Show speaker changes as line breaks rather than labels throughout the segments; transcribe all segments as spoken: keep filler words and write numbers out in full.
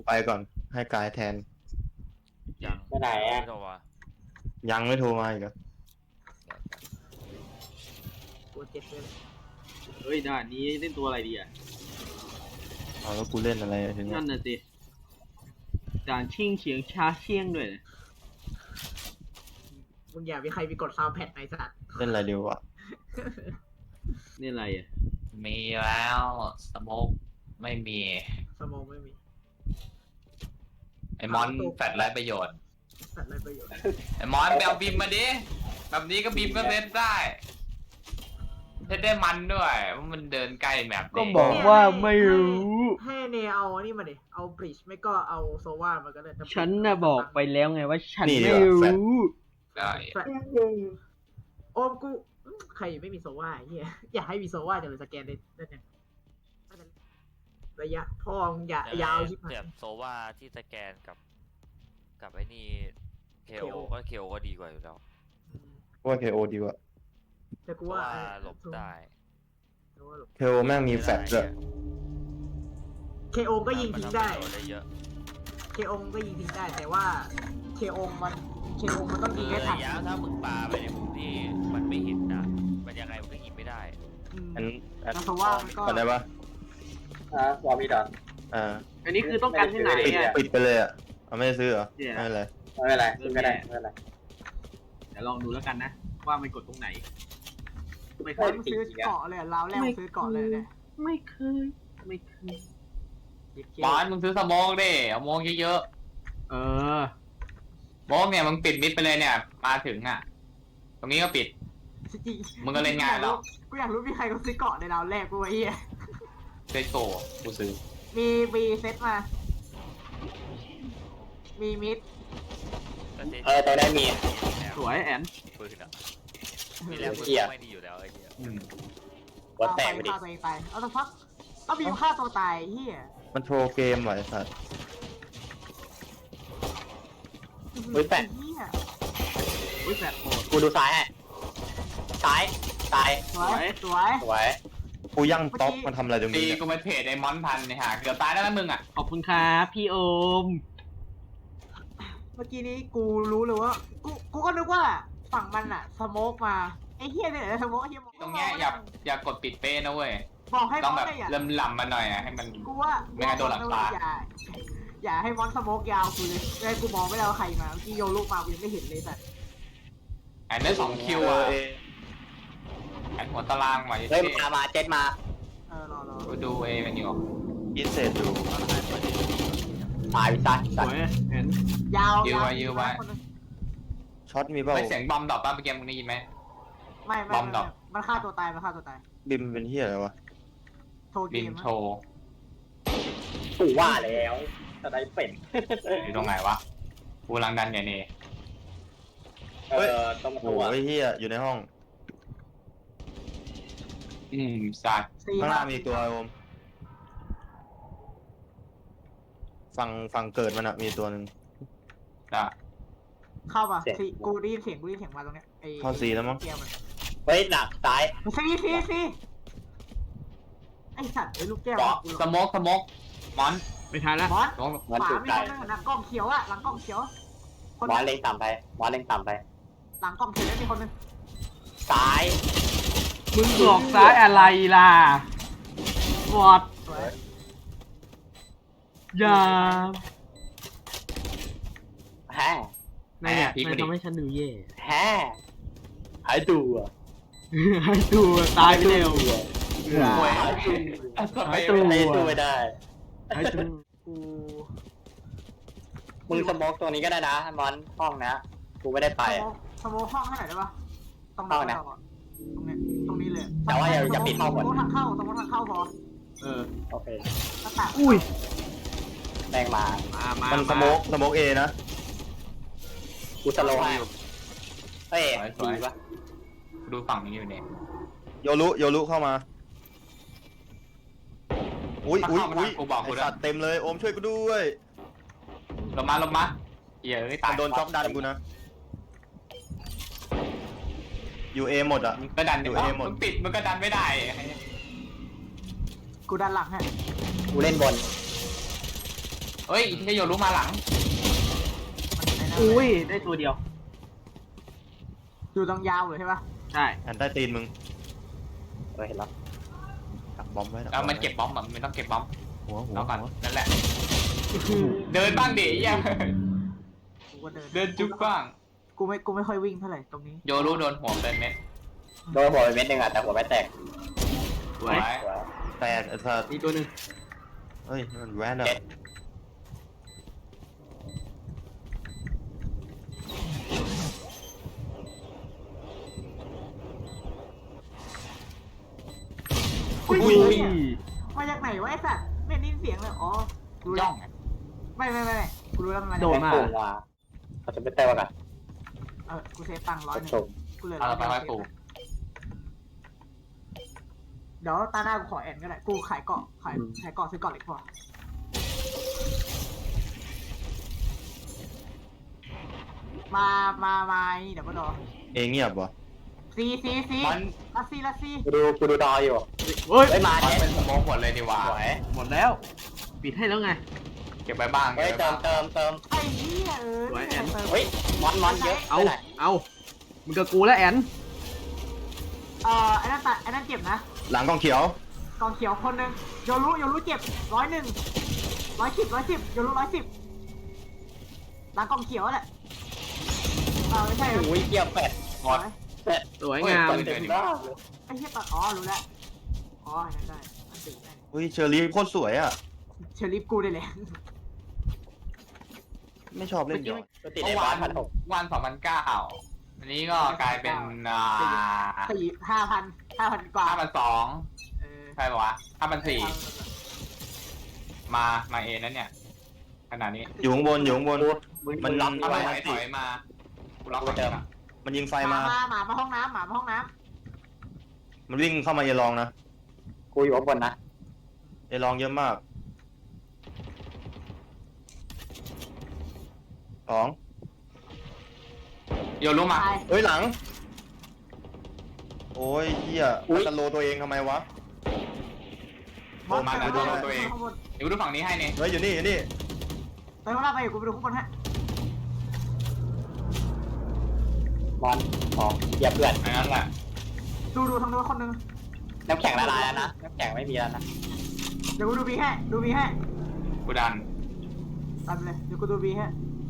ไปก่อนให้กายแทน
ยัง
ไปไหนอ่ะ
ไม่โทรมา
ยังไม่โทรมาอีกเหรอ
กูเจ็บเลย
เฮ้ยด่านนี้เล่นตัวอะไรดีอ่ะ
เอาแล้วกูเล่นอะไรทีเนี้ย
นั่นน่ะสิด่านชิงเฉียงชาเชียงด้วยนะ
มึงอย่ามีใครมีกดซาวด์แพดในสัตว์
เล่นอะไรดีวะ
นี่อะไรอ่ะ
มีแล้วสโมกไม่มี
สมองไม่มี
ไอมอนแฟดไรประโยชน์
สัตว์ไรประโยชน์
ไอมอนไปเอาบีมมาดิแบบนี้ก็บีมก็เซตได้เซตได้มันด้วยเพราะมันเดินใกล้แมป
ก็
นี่
บอกว่าไม่รู้
ให้เนเอาอันนี้มาดิเอาบริดจ์ไม่ก็เอาโซวามาก็ได้
ฉันน่ะบอกไปแล้วไงว่าฉัน
นี่ดี
ไม่
กว่าแฟลช
รู้
ได้
แฟลชโอมกูใครไม่มีโซวาไอ้เฮียอยากให้มีโซวาจะเลยสแกนได้ได้ยังระยะพ่อมึงอย่ายาวชิบหาย
เสียบโซว่าที่สแกนกับกับไอ้นี่เคโอ
เคโอ
ก็เคโอก็ดีกว่าอยู่แล้ว
ว่าเคโอดีกว่า
แต่กู
เพราะ
ว่า
ว่าหลบได้
เคโอแม่งมีแฟลชด้วย
เคโอก็ยิงทิ้งได้
มันทำประโยชน์ได้เยอะ
เคโอก็ยิงทิ้งได้ แต่ว่าเคโอมันเคโอมันต้อง
คื
ยิง
อ
ให้ทั
ระ
น
ยะถ้ามึงปาไปในมุมที่มันไม่เห็นนะมันยังไงมันก็ยิงไม่ได้
อืม
อันอัน
แล้วโซวามันก็
ก่อนได้ปะ
อ่ะวอร์มีดอน
อ่า
อันนี้คือต้องการที่ไหน
ปิด
เนี่ย
ปิดไปเลยอ่ะเอาไม่ได้ซื้อเหรอ
เนี่ย
ไม่เป็นไร
ไม่เป็นไรไม่เป็นไรไม่เป็นไร
เดี๋ยวลองดูแล้วกันนะ ว่ามันกดตรงไหน ไม่เค
เฮ้ย
ย
มึงซื้อเกาะเลยราวแรกมึงซื้อเกาะเลยเนี่ย
ไม่เคยไม่เคย
บอสมึงซื้อสโมองดิเอาโมองเยอะ
เออ
ๆโมองเนี่ยมึงปิดมิดไปเลยเนี่ย มาถึงอ่ะ ตรงนี้ก็ปิด มึงก็เล่นง่ายแล้ว
กูอยากรู้มีใครก็ซื้อเกาะในราวแรกกูไอ้เหี้ย
เซตโกกูซื้อ
มีมีเซตมา มีมิด
เออตัวได้มี
สวยแอน
ปืนอ่ะมีแล้วปืน
เหี้ย
ไม่ดีอยู่แล้วไอ้เหี้ย
วัดแตกไปดิ
ฆ่าตัวเองตายเอาสักพักเอาบีมฆ่าตัวตายเฮีย
มันโทรเกมว่ะไอ้สัตว์
เฮ้ยแฟด
เฮีย
อุ้ยแฟดโหด
กูดูซ้ายให้ซ้ายซ้าย
สวยสวย
สวย
กูยั่งต๊อกมันทำอะไรตรง
ตี
นี้เนี่ย
กูเป็นเพจไอมอนพันเนี่ยฮะเกือบตายแล้วนะมึงอ่ะ
ขอบคุณครับพี่โอม
เมื่อกี้นี้กูรู้เลยว่ากูกูก็นึกว่าฝั่งมันอะสโมกมาไอ้เฮียเนี่ยสโมกไอ้เฮีย
ตรงเนี้ยอย่าอย่ากดปิดเป้นะเว้ย
บอกให้ม
ต้อ
อง น
แบบ
ได้อย่า
เริ่มลำมาหน่อยอ่ะให้มัน
กูว่า
ไม่งั้นโดนหลังตา
อย่าอย่าให้มอนสโมกยาวกูเลยเลยกูมองไม่ได้ว่าใครมาเมื่อกี้โยลูกมากูยังไม่เห็นเลยแต่
แอนได้สองคิวอ่ะแอนหัวตารางมา
เฮ้ย
เท่
มามาเจ็ดมา
เออรอรอ
กูดูเอมันอยู่
อินเสร็จอยู่
ตายวิซัน
สวยแอน
ยาว
ยื้อไว้ยื้อไว้
คนนึง
ช็อตมีเปล่า
ไม่เสียงบอมดรอปป่ะเมื่อกี้มึงได้ยินไหม
ไม่ไม่
บอมดร
ไม่
อป
มันฆ่าตัวตายมันฆ่าตัวตาย
บิมเป็นเฮียอะไรวะ
โทรเก
บิน
ม
โชว์
กูว่าแล้วจะได้เป็น
อยู่ตรงไหนวะกูรังดันอย่างนี้
เออต้อง
โอ้
ตัว
โหไอ้เฮียอยู่ในห้อง
อืมสัตว์
สี่
ข้างหน้ามีตัวโอมฝั่งฝั่งเกิดมันอะมีตัวหนึ่ง
จ้ะ
เข้าป่ะสี่กูได้ยินเสียงกูได้ยินเสียงมาตรงเนี้ยไอ้
เข้าซีแล้วมั้ง
เกียร์มัน
เฮ้ยหนักซ้าย
ซีซีซีไอสัตว์ไอ้ลูกแก้ว
เกาะสโมกสโมกมอน
ไม่ทันแล้ว
บอส
สโมก
มัน
ขวา
ถูก
มี
ใจ
คนนึงอะหลังกล้องเขียวอะหลังกล้องเขียวคน
วอลเล็งต่ำไปวอลเล็งต่ำไป
หลังกล้องเขียวแล้วมีคนนึง
ซ้าย
มึงบอกซ้ายอะไรล่ะวอด
สวย
อย่า
แฮ่
นายเนี่ยนายทำให้ฉันดูแย่
แฮ่หายตัว
ให้ดูตายไปเร็ว
โอ้ย
หายตัว
หายตัว
หายตัวไม่ได้
ให้ดู
กู
มึงสโมกตัวนี้ก็ได้นะมอนห้องนะกูไม่ได้ไป
สโมห้องให้หน่อยได้ปะตรง
ห้องไหน
ตรงเนี้ยตรงนี้เลย
แต่ว่าอย่าอย่าปิดห้องก่อน
สโมทางเข้าสโมทางเข้าพอ
เออ
โอเค
หน้าต่าง
อุ้ย
แรงมา
มามา
มันสโมกสโมกเอนะ
กูสโลว์ให้เฮ้ยดีปะ
ดูฝั่งนี้อยู่เนี่ย
โยรุโยรุเข้ามาอุ้ยอุ้ยอุ้ย
กูบอก
ไอ
กูแล้
สั
ว
ตว์เต็มเลยโอมช่วยกูด้วย
ลงมาลงมาเหี้ยเอ้ยตาย
โดนช็อกดันกูนะอยู่เอหมดอ่ะ
มึงก็ดัน
อยู่
ดิ
เอหมด
มึงปิดมึงก็ดันไม่ได้
กูด้านหลังให้
กูเล่นบน
เฮ้ยที่โยรู้มาหลัง
อุ้ยได้ตัวเดียว
อยู่ตรงยาวเลยใช่ปะ
ใช่
อันใต้ตีนมึง
เออเห็นแล้ว
ดักบอมไว้ดักบ
แล้
อ
ว
ม
มันเก็บบอมมันไม่ต้องเก็บบอม
หัวหัว
แล้วก่อน
หัว
นั่นแหละ เดินบ้างดิยัง
กูก็เดิน
เดินจุ๊บบ้าง
กูไม่กูไม่ค่อยวิ่งเท่าไหร่ตรงนี้
โยรู้โดนหัวเป็นเม็ด
โดนหัวไปเม็ดหนึ่งอ่ะแต่หัวไม่แตก
สวย
หัว
แตกไอ้สัส
มีตัวหนึ่ง
เฮ้ยมันแวนอะ
อุ้ย
อุ้ย
เหี้ยมาจากไหนวะไอ้สัตว์ไม่ได้ยินเสียงเลยอ๋อรู้แล้
ย่
ว
อง
ไม่ไม่ไม่ไม่กูรู้แล้วมันมา
โด
จาก
น
ไหน
มา
โกงว่ะเขาจะไม่แตกว่ะกัน
เออกูเซฟตังค์ร้อยหนึ่ง
ส่ง
กูเหลือ
เอา
ร้อย
ไป
เดียว
ไว้ปู
เดี๋ยวตาหน้ากูขอแอนก็ได้กูขายเกาะขายขายเกาะซื้อเกาะเหล็กพอมามามาไอ้นี่เดี๋ยวมาดอ
เองเงียบวะ
ซีซีซี
มัน
ลัสซีลัสซี
กูดูกูดูดออยู่
เฮ้ย
เฮ้ยมา
มัน
เนี่ย
เป็นสโมองหมดเลยดีว่า
สวย
หมดแล้ว ปิดให้แล้วไง
เก็บไว้บ้าง
เฮ้ย
เก็บ
เติ
ไว้
ม
บ้าง
เติมเติม
ไอ้เหี้ยเออ
สวยแอน
เติม
เฮ้ยมอนมอนเยอะ
เอา
ไม่ได้
เอามึงกับกูแล้วแอน
เอ่อไอ้นั่นตัดไอ้นั่นเจ็บนะ
หลังกองเขียว
กองเขียวคนหนึ่งโยรุโยรุเจ็บร้อยหนึ่งร้อยสิบร้อยสิบโยรุร้อยสิบหลังกองเขียวแหละเออไม่ใช่
โอ้ยเกียร์แปด
หมด
แปด
สวยงาม
เต็มบ้าเลย
ไอ้เหี้ยตัดอ๋อรู้แล้วอ๋ออันนั้นได้อันติได้
อุ้ยเชอรี่โคตรสวยอะ
เชอริฟกูได้เลย
ไม่ชอบเล่นยอด
กูติด
เมื่
ใน
อวา
บ้าน นพันหก
วันสองพันเก้าอันนี้ก็กลายเป็นอ่า
สี่ห้าพันห้าพันกว่า
ห้าพันสอง
เออ
ใช่ปะวะห้าพันสี่มามาเอนั่นเนี่ยขนาดนี้
อยู่ข้างบนอยู่ข้างบน
มึง
มัน
ล็อก
ถ้า
ไว้
ไม่ถอยถอยมากูล็อกเดิม
มันยิงไฟ
หมา
มา
มาหมามาห้องน้ำหมามาห้องน้
มันวิ่งเข้ามาเอลองนะ
กูอยู่ข้างบนนะ
เอลองเยอะมากสอง
โยรู้
ำ
มา
ตาย
เฮ้ยหลัง โอ้ยเหี้ยมันจะโลตัวเองทำไมวะ
บอส
มา
ไป
แล้ว
ดู
โดน
ตั
ตัว ว
เอ
เอง ง
ข้างบน
เดี๋ยวกูดูฝั่งนี้ให้เนี่ย
เฮ้ยอยู่นี่อยู่นี่
ไปข้างล่างไปกูไปดูข้างบนฮะ
มอนของเกียร์เพื่อน
อันนั้นแหละ
ดูดูทางโน้นคนหนึง
น้ำแข็งละลายแล้วนะน้ำแข็งไม่มีแล้วนะ
เดี๋ยวกูดูบีให้ดูบีให้
กูดัน
ตัดไปเลยเดี๋ยวกูดูบีให้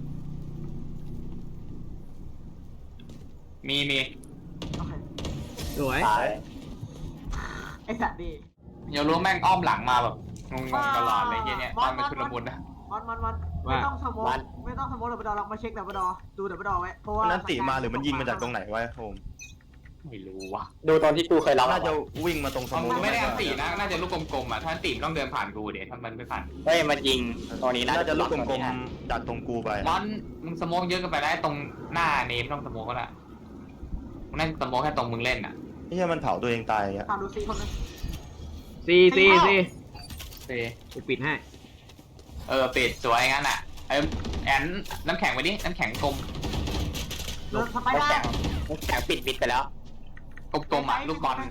มีมี
โอเค
สวย
ตาย
ไอ้สัตว์ดี
โยรู้แม่งอ้อมหลังมาแบบงงๆตลอดเลยเงี้ยเนี่ยตอนมันชุลมุนนะ
มันมันมันไม่ต้องสโมกไม่ต้องสโมกดับเบิลดอร์เรามาเช็คดับเบิลดอร์ดูดับเบิลดอร์ไว้เพราะว่า
มันนั้นติมาหรือมันยิงมาจากตรงไหนวะโฮม
ไม่รู้ว่ะ
ดูตอนที่กูเคยรับ
น่าจะวิ่งมาตรงส
มัน
มุ
ไม่ได้อันตีนะ น่าจะลูกกลมๆอ่ะ ถ้าอันตีมันต้องเดินผ่านกูเดี๋ยวถ้ามันไม่ผ่าน
เฮ้ยมันยิงตรงนี้นะ
น่าจะลูกกลมๆดักตรงกูไป
มอนมึงสโมองเยอะเกินไปได้ตรงหน้าเนมต้องสโมองก็ได้มึงนั่นสโมองแค่ตรงมึงเล่นอ่ะ
ไอ้เหี้ยมันเผาตัวเองตายอ่ะ
ถามดูซีคนนึง
ซีซีซี
เอ
กูปิดให้
เออปิดสวยงั้นอ่ะเออแอนน้ำแข็งไปดิ น้ำแข็งกลม
เลิกสไป
น้ำ
ด้า
แข็งน้ำแข็งปิดปิดไปแล้ว
กลมๆอ่ะลูกบอล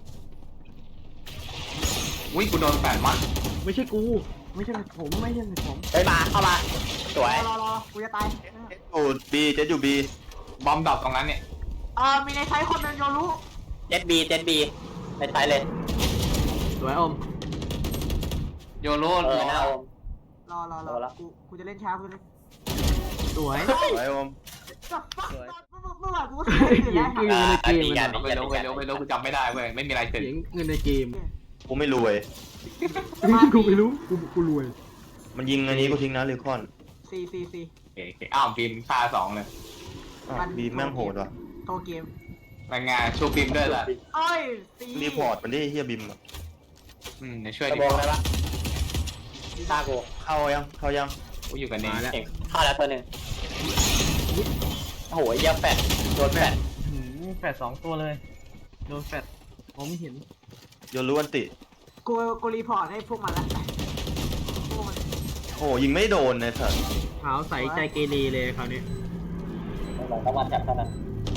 อุ้ยกูโดนแปดมัน
ไม่ใช่กู ไม่ใช่ผมไม่ใช่ผม
เฮ้ยมาเข้ามาสวย
รอรอกูจะตาย
อยู่บีเจ็ดอยู่บี
บอมดรอปตรงนั้นเนี่ย
เออมีในไซต์คนนึงโยรู้
เจ็ดบีเจ็ดบีในท้ายเลย
สวยอม
โยโร่
เออ
ร
หน้า
อ
โอม
รอรอร
รอ
อ
แล้ว
กูกูจะเล่นช้ากูเลย
สวย
ไว้โอม
จับฟักเมื่อวานกูก็เสียอยู่แล้ว
เงินในเกม
ดีกัน
เอาไปรู้ไปรู้ไปรู้กูจำไม่ได้เว้ยไม่มีอะไรเกิด
เสียงเงินในเกม
กูไม่รวย
กูไม่รู้ กูกูรวย
มันยิงอันนี้กูทิ้งนะลิคอน
ซีซีซี
โอเคโอเคอ้าวบีมฆ่าสองเลย
อ้าวบีแม่งโหดว่ะ
โทรเกม
รายงานชูบีมด้วยล่ะ
เอ้ยซี
รีพอร์ตมันได้เฮียบิมอะ
อืมเดี๋ยวช่วย
ตะ
ดิ
โบงได้ปะฆ่ากู
เข้ายังเข้ายัง
กูอยู่กับเนม
มาแล้ว
เก่งฆ่าแล้วตัวหนึ่งโอ้โหเยี่ยแปดโดนแปด
แฟดสองตัวเลย โดนแฟดผมไม่เห็น
โยรู้อันติ
กูกูรีพอร์ตให้พวกมันละพวกมัน
โอ้ยิงไม่โดนเลยสัส
ขาวใสใจเกเรเลยคราวนี้
เราต้องมาจับเท่านั้น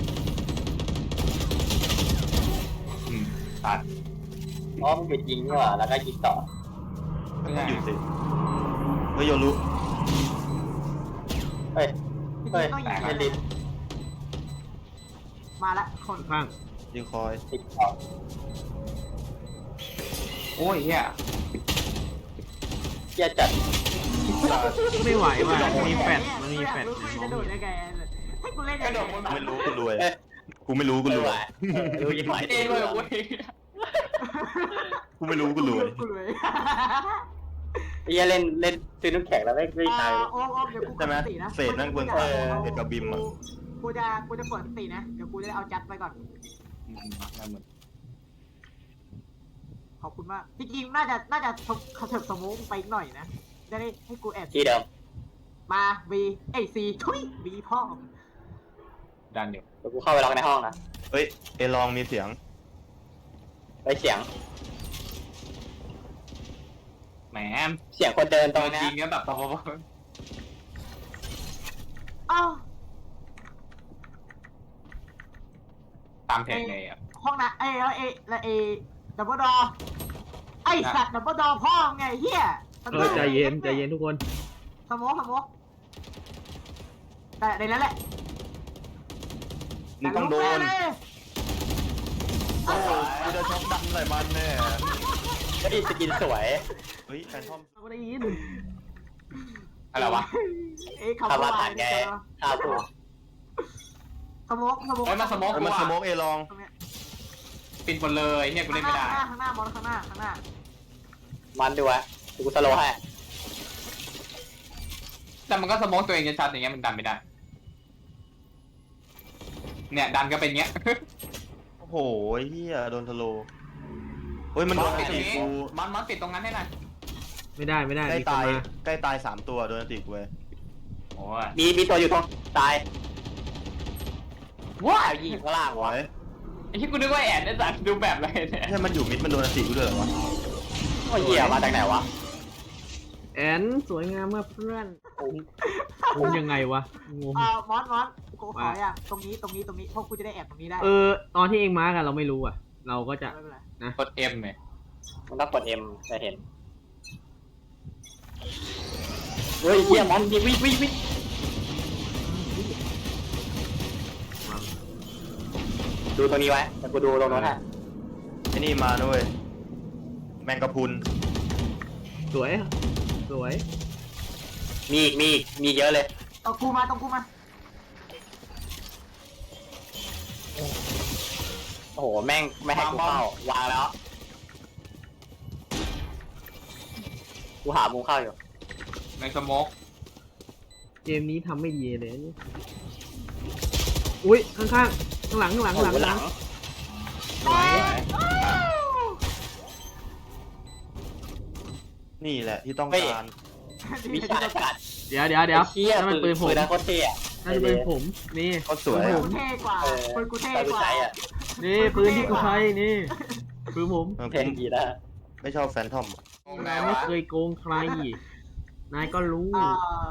อืมตัด
อ๋อมันหยุดยิงนี่หว่าแล้วก็ยิงต่อ
ไม่ใช่
หยุดสิเฮ้ยโยรู้
เฮ้ย
จริง
เฮ้ย
ๆต้องยิง
แผ่นดิน
มาละคน
ข้าง
ยิงคอย
ติดต่อ
โอ้ยเฮีย
เหี้ยจัด
ไม่ไหวว่ะมันมีแฟดมันมีแฟด
รู้จะโดดได้ไงให้กูเล่น
กระโดดบน
ไม่รู้กูรวยกูไม่รู้กูรวย
รู้ยังไง
เองเลยเว้ย
กูไม่รู้กูรวย
กูรวย
ไอ้เหี้ยเล่นเล่นซื้อน้ำแข็งแล้วไม่ไม่ตาย
โอ้โอ้เดี๋ยวกูก
ใช่
ด
ไหม
สตินะ
เศษนั่งเบื้องต้นเศษกับบิมอ่ะ
กูจะกูจะกดสตินะ เดี๋ยวกูจะเอาจัดไปก่อน ขอบคุณมาก จริงๆ น่าจะ น่าจะเขาเถิบสโมองไปอีกหน่อยนะ จะได้ให้กูแอบ
ที่เดิม
มา B เอ้ย C ทุย B พ่อ
ดันอยู่
เดี๋ยวกูเข้าไปล็อกในห้องนะ
เฮ้ยเอลองมีเสียง
ไปเสียง
แหม
เสียงคนเดินต
ต
ร
อง น
เนี้
จ
ย
ริงก็แบบ
อ้าว
ตามเพจเลยอ่ะ
ห้องนะเอ้ยแล้วเอแล้วเอดับเบิลดอไอสัตว์ดับเบิลดอพ่อไงเฮีย
เออใจเย็นใจเย็นทุกคน
สโมองสโมองแต่ในนั้นแหละ
มึงต้องโดน
แต่ลูกแม่เลย
โอ้กูจะช็อกดันใส่มันแน่
ก็ดีสกินสวย
เฮ้ยแฟนทอม
เราก็ได้ยิน
อะไรวะ
เอ้ยคำ
ทำมา
ว่า
ผ่านไงท่าผูก
สโมองสโมอง
เฮ้ยมาสโมก
เฮ้ย
กู
มันสโม
อ่ะ
กเอลอง
ตรงเนี้ย
ปิดหมดเลยเนี่ยกูเล่นไม่ได้
ข้างหน้าข้างหน้ามอนข้างหน้าข้างหน้า
มันดูวะเดี๋ยวกูสโลว์ให้
แต่มันก็สโมกตัวเองชัดๆอย่างเงี้ยมันดันไม่ได้ เนี่ยดันก็เป็นเงี้ย
โอ้โหเฮียโดนทะโลเฮ้ยมันโดน
ปิดตร
ตี
งนี้
กู
มันมันปิดตรงนั้นให้หน่อย
ไม่ได้ไม่ได้
ใกล้
มีคน
ตาย
มา
ใกล้ตายสามตัวโดนตีกูเว้ย
โอ้ย
มีมีตัวอยู่ตรงตายว้าวยิงข้างล่าง
โอ้
วะ
ย
ไอ้ที่กูนึกว่าแอนได้สัตว์ดูแบบอะไรเนี่ย
แค่มันอยู่มิดมันโดนตีกูด้วยเหรอวะ
โอ้ยเหี้ยมาจากไหนวะ
แอนสวยงามมากเพื่อนงงยังไงวะงง
เอ่อมอนมอนกูขออย่างตรงนี้ตรงนี้ตรงนี้พวกกูจะได้แอบตรงนี้ได้
เออตอนที่เองมาร์กอะเราไม่รู้อะเราก็จะ
ไม่เป็นไร
กดเอ็มเนี่ย
มันต้องกด M จะเห็นเฮ้ยเหี้ยมอนวิ่งวิ่งวิ่งวิ่งดูตรงนี้ไว้แต่กูดูตรงโน้นฮะ
ไอ้นี่มาด้วยแมงกะพรุน
สวยสวย
มีอีกมีอีกมีเยอะเลย
เอากูมาตรงกูมา
โอ้โหแม่งไม่ให้กูเข้าวางแล้วกูหามุมเข้าอยู่
ในสโมก
เกมนี้ทำไม่ดีเลยอุ้ยข้างข้างข้างหลังข้างหลัง
โอ้
ข้างหลัง
โหหลัง
สวย
นี่แหละที่ต้องการ
วิชากัด
เดี๋ยวเดี๋ยวเดี๋ยว
ไอ้เหี้ย
นั่นมันปืนผม
ปืนนะโคตรเท่อะ
นั่นเป็นปืนผมนี่
เขาสวย
ปืน
อะ
ผม
เท่กว่า
เออ
ปืนกูเท่
ตอนกู
กว่า
ใช้อ่ะ
นี่ปืนที่กูใช้นี่ปืนผม
เออ
เท่
ผม
ดีนะ
ไม่ชอบแฟนทอมอะ
งงไง
นายไม่
วะ
เคยโกงใคร นายก็รู้
เอ่อ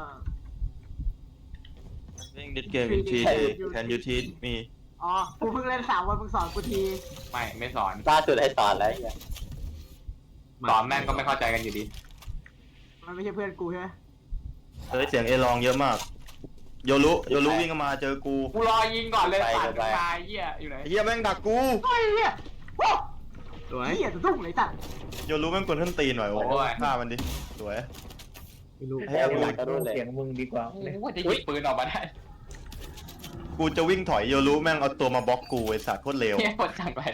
เล่นดิสเกมอีกทีแทนยูทีมี
อ๋อ กูเพิ่งเล่นสามวันมึงสอนกูที
ไม่ไม่สอน
ล่าสุดให้สอนแล้วไอ้เหี้ย
สอนแม่งก็ไม่เข้าใจกันอยู่ดี
มันไม่ใช่เพื่อนกูใช่ไหม
เฮ้ยเสียงเอลองเยอะมาก โยรุโยรุวิ่งเข้ามาเจอกู
กูรอยิงก่อนเลยสัตว์ตายเหี้ยอยู่ไหน
ไอ้เฮียแม่งดักกู
เฮ้ยเฮียโอ้
สวย
เฮียจะตุ้งเลยจัด
โยรุแม่งกดขึ้นตีนหน่อยโอ้โหฆ่ามันดิสวย
ไม่รู้
ให้เอาหลัง
กระโดดเลย
เสียงมึงดีกว่า
โอ้ยจะหยิบปืนออกมาได้
กูจะวิ่งถอยโยรุแม่งเอาตัวมาบล็อกกูไอ้สัตว์โคตรเร็ว
เฮียโคตรจังไป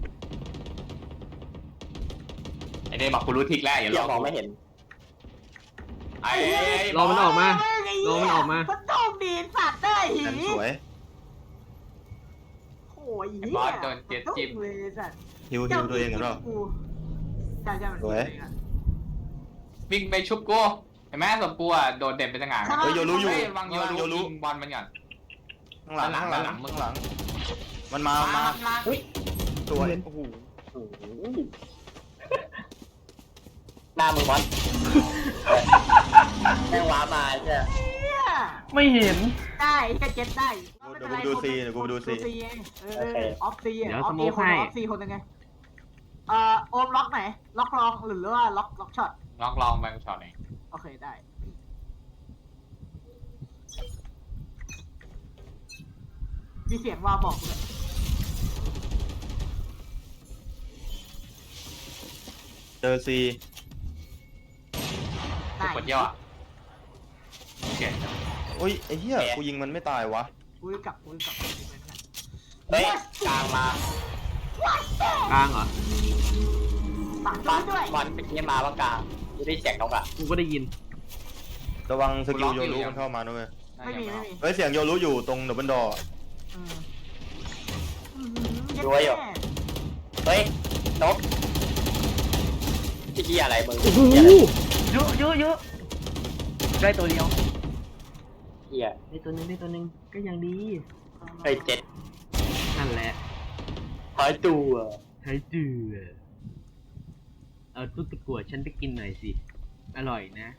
ไอ้เนี่ยบอกกูรู้ทิกแล้วอย่า
เหี้
ร
ย
อ
มองไม่เห็น
ไอ้
รอมันออกมา รอมันออกมา
มันตุ้งดีสัตว์ได้หี
แอนสวย
โอ้ยเฮีย
บอสโดนเจ็ดจิ้ม
ตุ้งเลยสัตว์
ฮิวฮิวตัวเองกันหรอ
กูใช่ใช่มัน
สวย
วิ่งไปชุบกูเห็นไหมสมกูอ่ะโดนเด่นเป็นสง่า
เฮ้ยโยรุอยู่
เฮ้ยวางโยรุ
โยรุ
ยิงบอลมันก่อน
ข้างหลัง
ด้านหลัง
ข้างหลัง
ด้านหลังมึง
ข้างหลัง มันมามา
มา
สวยโอ้โห
โอ้โหหน้ามึงบอลแม่งว้ามาใช่
เฮีย
ไม่เห็น
ได้ก็เก็ตได้
เดี๋ยวกูดูซีเดี๋ยวกูดูซี
ไงเออออฟซีอ่ะ
เดี๋ยว
ออฟ
สโม
ซี
ก
คน
ให้
ออฟซีคนยังไงเอ่อโอมล็อกไหน ล็อกลองหรือว่าล็อกล็อกช็อต
ลองลองแบงช็อตเอง
โอเคได้มีเสียงวาวบอกเลย
เจอซี
ได้
กดย่อโอเค
อุ้ยไอ้เหี้ยกูยิงมันไม่ตายวะ
กูกลับกูกลับ
เฮ้ยกลางมาก
ลางเหรอ
ปัก
บอล
ด้วย
บอลเป็นเกมมาว่ากลางกูได้เสียงนกอ่ะ
กูก็ได้ยิน
ระวังสกิลโยรุมันเข้ามาด้วย
ไม่มีไม่มี
เฮ้ยเสียงโยรุอยู่ตรงดับเบิลดอร์
อืม
ดูไว้อยู่เฮ้ยนกที่ที่อะไรมึง
โอ้โห
เหี้ยอะไร
เยอะเยอะเยอะได้ตัวเดียว
เหี้ย
ได้ตัวหนึงได้ตัวหนึงก็ยังดี
เฮ้ยเจ็ด
นั่นแหละ
หายตัว
ใช้จือเอาตุ๊กตะกั่วฉันไปกินหน่อยสิ อร่อยนะ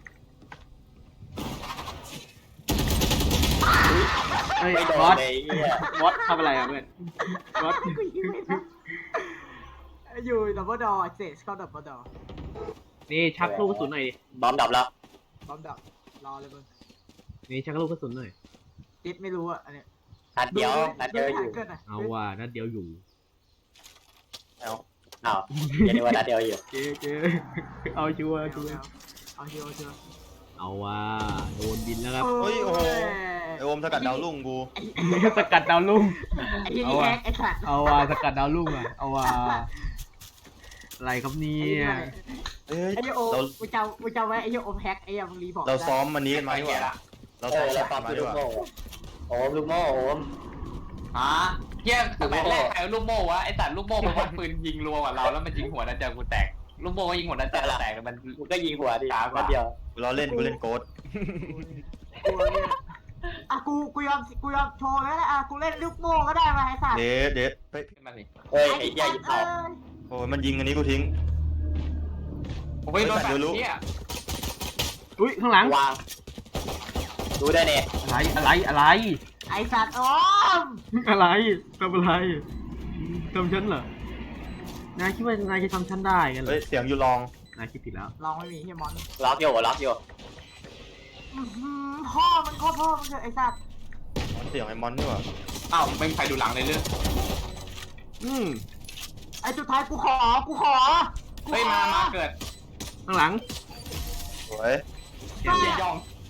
เฮ้ย
ไม่โด
บอน ส
เลยเหี้ย
บอสทำอะไรอ่ะเพื่อนบอส
กูยิงไม่ได้อยู่ดับเบิลดอร์เจสเข้าดับเบิลดอร์
นี่ชักลูกกระสุนหน่อยดิ
บอมดับแล้ว
พร้อมดับรอเลยมึง
นี่ชักลูกกระสุนหน่อย
ติดไม่รู้อะอันเนี้ย
นัดเดียวนัดเดียวอยู่
เกินอะ
เอาว่านัดเดียวอยู่
เอา
อ้าวเดี๋ยวนี้ว่านัดเดียวอยู่
เจ๊เจ๊เอาชัวร์
เอา
ชัวร์
เอาเชียวเอาเชียว
เอาว่าโดนบินแล้วครับ
เฮ้ยโอ้โหไอโอมสกัดดาวรุ่งกู
สกัดดาวรุ่ง
ไอ้ยี่นี่แฮกไอ้สัตว์
เอาว่าสกัดดาวรุ่งอ่ะ เอาว่าอะไรครับเนี่
ไอ้
ย
เฮ้ย
ยี่โอ
เรา
กูจำกูจำไว้ไอ้ยี่โอมแฮกไอ้ยี่มึงรีบอก
เราซ้อมมันนี้กันมาดีกว่า
ละ
เรา
เอ
ซ้อม
อแล้ว
ฉาก
ตาม
มา
คือ
ดี
ลู
ก
ก
ว่า
โม่โอมลูกโม่โอม
ฮะเฮียสมัยแรกใครเอาลูกโม่วะไอ้สัตว์ลูกโม่มันวัดปืนยิงรัวกว่าเราแล้วมันยิงหัวนัดเดียวกูแตกลูกโม่ก็ยิงหัวนัดเดียวแตกมัน
กูก็ยิงหัวดิ
ช้ากว่า
นัดเดียว
กูล้อเล่นกูเล่นโกด
กูเนี่ยอ่ะกูกูยอมกูยอมโชว์แล้วแหละอ่ะกูเล่นลูกโม่ก็ได้มาไอ้สัตว์
เดดเดดเฮ้ย
ขึ้นมาสิ
เฮ้ยไอ้เหี้ยยิงเผา
โอ้ยมันยิงอันนี้กูทิ้ง
ผมไม่โดนแบบเนี้ย
อุ้ยข้างหลัง
วางดูได้เนี่ย
อะไรอะไรอะไร
ไอ้สัตว์โอ้ม
อะไรทำอะไรทำฉันเหรอนายคิดว่านายจะทำฉันได้กันเหร
เฮ้
อย
เสียงอยู่ลอง
นายคิดผิดแล้ว
ลองไม่มีเฮียมอน
ล็อกอยู่ล็อกอยู่
อื้อหือพ่อมันโคตรพ่อมันเถอะไอ้สัตว์
เสียงไอ้มอนนี่หว่า
อ้าวเป็นใครดูหลังเลยเรื่อง
อืม
ไอ้สุดท้ายกูขอกูขอกูขอ
เฮ้ยมามาเกิด
ข้างหลัง
สวย
เฮียยอง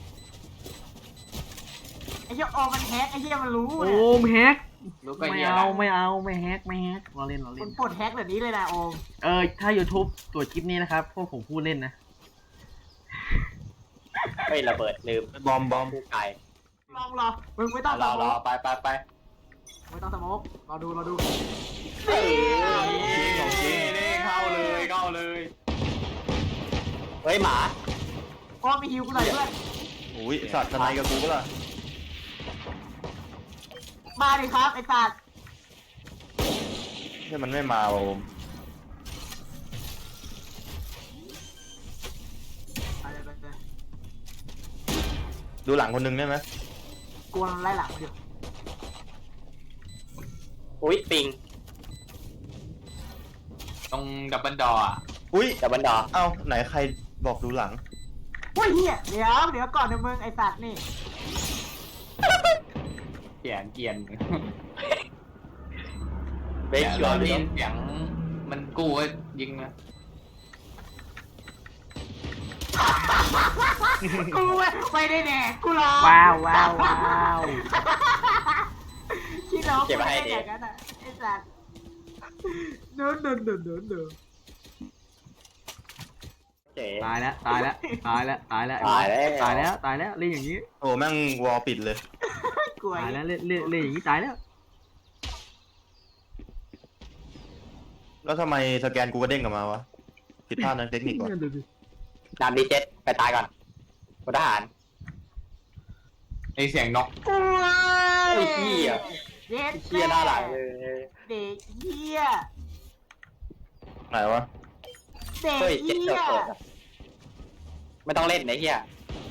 ไอ้เหี้ยโอมันแฮกไอ้เหี้ยมันรู้
โอ้
เนี่ย
มแฮก
รู้ก็
ไม่
เฮีย
เอาไม่เอาไม่แฮกไม่แฮกเราเล่นเรา
ค
เล่
น
น
ปลดแฮกแบบนี้เลยนะโอม
เออถ้า YouTube ตรวจคลิปนี้นะครับพวกผมพูดเล่นนะ
เฮ้ยระเบิดลืม
บอมบอม
ผู้ไก่
ลองรอมึงไม่ต้องส
รอ
โม
รอก ไปไปไป
ไม่ต้องสโมกรอดูรอดู
เฮ้ย
นี่เข้าเลยเข้าเลย
เฮ้ยหมา
โอมมีฮิวกูหน่อยเพื่อน
อุ้ยสัตว์ทนายกับกูก็ล่ะ
มาดิครับไอ้สัตว์
เนี่ยมันไม่มาว่ะโอม
ไปเลยไปเลย
ดูหลังคนหนึงได้ไหม
กลัวมันไล่หลังมาอยู่
อุ้ยปิง
ตรงดับเบิลดอร์
อุ้ย
ดับเบิลดอ
เอ้าไหนใครบอกดูหลัง
โอ้ยเหี้ยเดี๋ยวเดี๋ยวก่อนเดี๋ยวมึงไอ้สัตว์นี่
เกียนเกียน
เบ
เสี
ค
ยง
ชัวร์
ได้
เลย
ยินเสียงมันกู้ก็ยิงนะ
กูไม่ไม่ได้แน่กูรอ
ว้าวว้าวว้าว
คิดน้องกูไม่ได้อย่างนั้นอ่ะไอ้สัตว์เดินเดินเดินเดินเดิน
เจ๋
ตายแล้วตายแล้วตายแล้วตายแล้ว
ตายแล้ว
ตายแล้วตายแล้วเล่นอย่างนี้
โอ้แม่งวอลปิดเลย
กลัว
ตายแล้วเล่นเล่นเล่นอย่างนี้ตายแล้ว
แล้วทำไมสแกนกูก็เด้งกลับมาวะผิดพลาดทางเทคนิคก่อน
ดูดิ
นำดีเจ็ตไปตายก่อนพลทหาร
ไอเสียงนก
กลัว
ไอ้เหี้ย
เด็ด
เชี่ยหน้าหลังเลย
เด็กเหี้ย
ไหนวะ
เด็ก
เฮ้ยเจ็ต
เหี้
เกิ
ย
ดเกิดไม่ต้องเล่นไอ้เหี้ย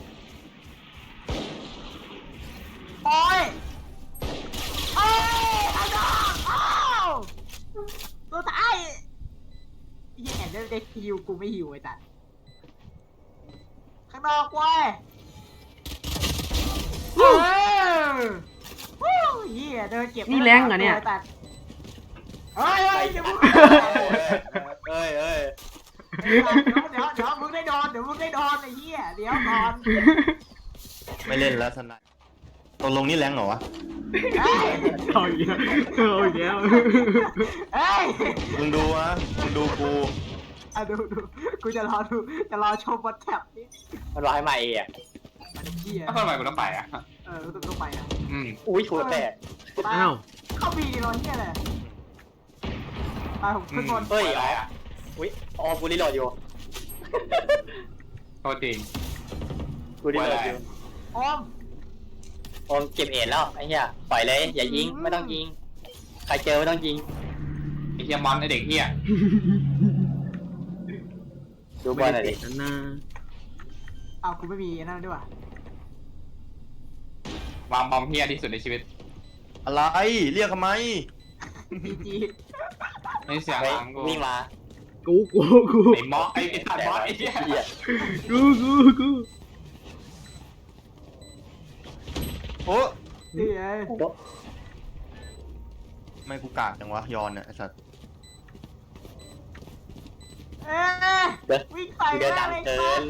โอ้ยโอ้ยเอาดอกอ้าวตัวตายยี่แอนได้ได้ฮิวกูไม่ฮิวไอ้ตัดข้างนอกเว้ยเออวู้เหี้ยเดินเก็บ
นี่แรงเหรอเนี่ย
ตัดเฮ้ยเฮ้ยเดี๋ยวมึง
เอ้ยเอ้ย
เดี๋ยวเดี๋ยวเดี๋ยวมึงได้โดนเดี๋ยวมึงได้โดนไอ้เหี้ยเดี๋ยวก่อน
ไม่เล่นแล้วสนายตกลงนี่แรงเหรอวะ
เฮ้ย
เอาอีกแล้วเอาอีกแล้ว
เฮ้ย
มึงดูวะมึงดูกู
อ่ะดูดูกูจะรอดูจะรอชมบนแท็บนี่
มันร้ายมาเองอ่ะ
มันเหี้ย
ถ้าทำไมกูต้องไปอ่ะ
เออต้องต้องไปนะ
อืม
อุ้ยหัวแตก
ไป
อ้าว
เข้าบีรอเหี้ยเลยไปผมขึ้นบน
เฮ้ย
อะไร
อ๋อ
อ่ะ
อุ้ยอ๋อกูรีโหลดอยู่
โทษจริง
กูรีโหลดอยู่
ออม
โอมเก็บเอ็ดแล้วไอ้เหี้ยปล่อยเลยอย่ายิงไม่ต้องยิงใครเจอไม่ต้องยิง
ไอ้เฮียมอนไอ้เด็กเฮีย
ดูบอลหน่อยดิ
นั่นนะ
อ้าวกูไม่มีนั่นด้วยว่ะ
วางบอมเฮียที่สุดในชีวิต
อะไรเรียกทำไม
จีจี
ในเสียง
เฮ้ย
หลังกู
วิ่งมา
กูกูกู
ไอ้มอสไอ้ไอ้ทันมอสไอ้เฮีย
เหี้ย
กูกูกู
โอ้
นี่ไง
ไม่กูกากจังวะยอนเนี่ยไอ้สัตว์
เอ๊ะ
เดิน
วิ่งใส่
เดินดัง
เลย
เกิน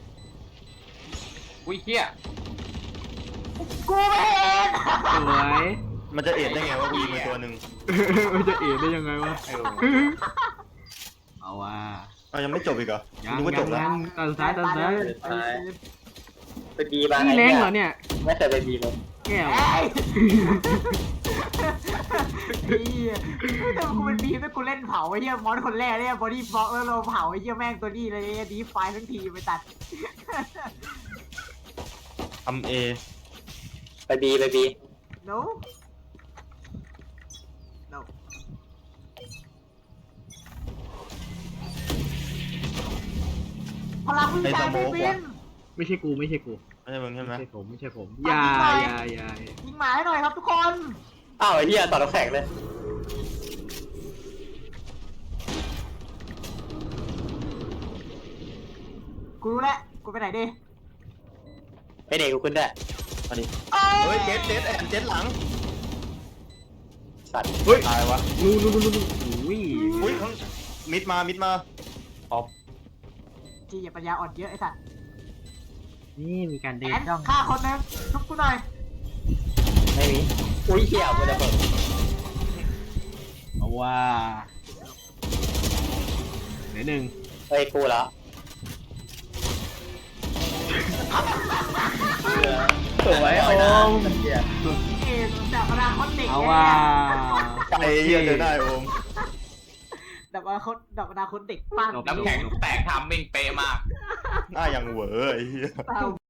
อุ้ยเฮีย
กูไม่เห็น
สวย
มันจะเอ็ดได้ไงว่ากูยิงไปตัวหนึ่ง
มันจะเอ็ดได้ยังไงวะ
เออ
เอาว่ะ
เอายังไม่จบอีกเหรอ
ยัง
นึกว่าจบแล้ว
ยังตอนซ้ายตอนซ้าย
ไปบีมา
นี่
ไอ้
แรง
เหี้ย
เหรอเนี่ย
ไม่เคยไปบีเลย
แก้ว
เอ้ยไอ้เหี้ยแต่กูเป็นบีมแต่กูเล่นเผาไอ้เหี้ยมอนคนแรกเนี่ยบอดี้บล็อกแล้วเราเผาไอ้เหี้ยแม่งตัวนี้เลยดีไฟทั้งทีไปตัด
ทำเอ
ไปบีไปบี
no no พลังวิจัยไม่บิน
ไม่ใช่กูไม่ใช่กู
ไม่ใช่มึงใช่ไหม
ไม่ใช่ผมไม่ใช่ผม
ปั
อ
ด
ย่า
นิดหน่อย
อย่าอย่า
ยิงหมาให้หน่อยครับทุกคน
อ้าวไอ้เหี้ยต่อน้ำแข็งเลย
กูรู้แล้วกูไปไหนดี
ไปเด็กกูขึ้นได้
มาดิ
เอ้
เฮ้ย
ย
เจ็ดเจ็ดแอนเจ็ดหลัง
สัตว์
เฮ้ย
ตายวะ
นู่นนู่นนู่นนู่นอุ้ย
อุ้ยข้างมิดมามิดมา
จีอย่าปัญญาอ่อนเยอะไอ้สัตว์
นี่มีการเดิ
แอน น
จ้อง
ฆ่าคนนึงชุบกูหน่อย
ไม่มีอุ้ยเหี้ยกูจะเปิด
เอาว่าเดี๋ยวหนึ่ง
เฮ้ยกูแล้วสวยโอม
เกมจากอนาคตเด็ก
เอา
เนี่ย
ว่า
ไอ้เหี้ยเจอได้โอม
ดับอนาคตดับอนาคตเด็กปั้น
น้ำแข็งแตกทำมิ่งเป๊ะมาก
หน้าอย่างเหวอไอ้เหี้ย
เต้า